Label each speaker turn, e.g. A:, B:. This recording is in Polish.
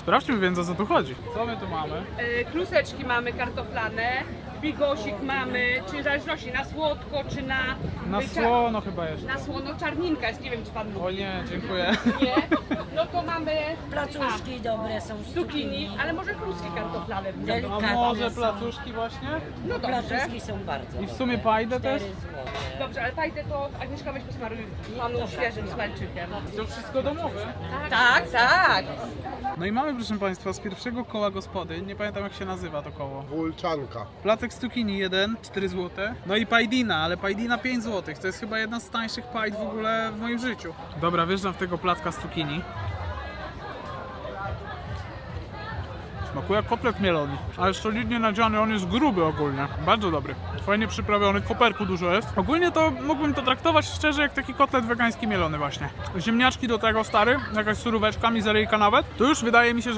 A: Sprawdźmy więc, o co tu chodzi. Co my tu mamy?
B: Kluseczki mamy kartoflane, bigosik mamy, czy w zależności na słodko, czy na...
A: Na słono chyba jeszcze.
B: Na słono czarninka jest, nie wiem czy pan lubi.
A: O nie, dziękuję.
B: Nie? No to mamy
C: Placuszki dobre są z
B: zucchini, ale może kluski kartoflane.
A: A
C: Delikatne
A: może
C: są.
A: placuszki właśnie?
B: No dobrze.
C: Placuszki są bardzo
A: I w sumie pajdę też?
C: 4 złote.
B: Dobrze, ale fajnie to Agnieszka weź posmaruj panu świeżym smalczykiem.
A: To wszystko domowe.
B: Tak, tak.
A: No i mamy, proszę Państwa, z pierwszego koła gospody, nie pamiętam jak się nazywa to koło.
D: Wulczanka.
A: Placek z cukinii 1, 4 zł. No i pajdina, ale pajdina 5 zł. To jest chyba jedna z tańszych pajd w ogóle w moim życiu. Dobra, wjeżdżam w tego placka z cukinii. Smakuje jak kotlet mielony, ale solidnie nadziany, on jest gruby ogólnie. Bardzo dobry. Fajnie przyprawiony, koperku dużo jest. Ogólnie to mógłbym to traktować szczerze jak taki kotlet wegański mielony właśnie. Ziemniaczki do tego stary, jakaś suróweczka, mizeryjka nawet. To już wydaje mi się, że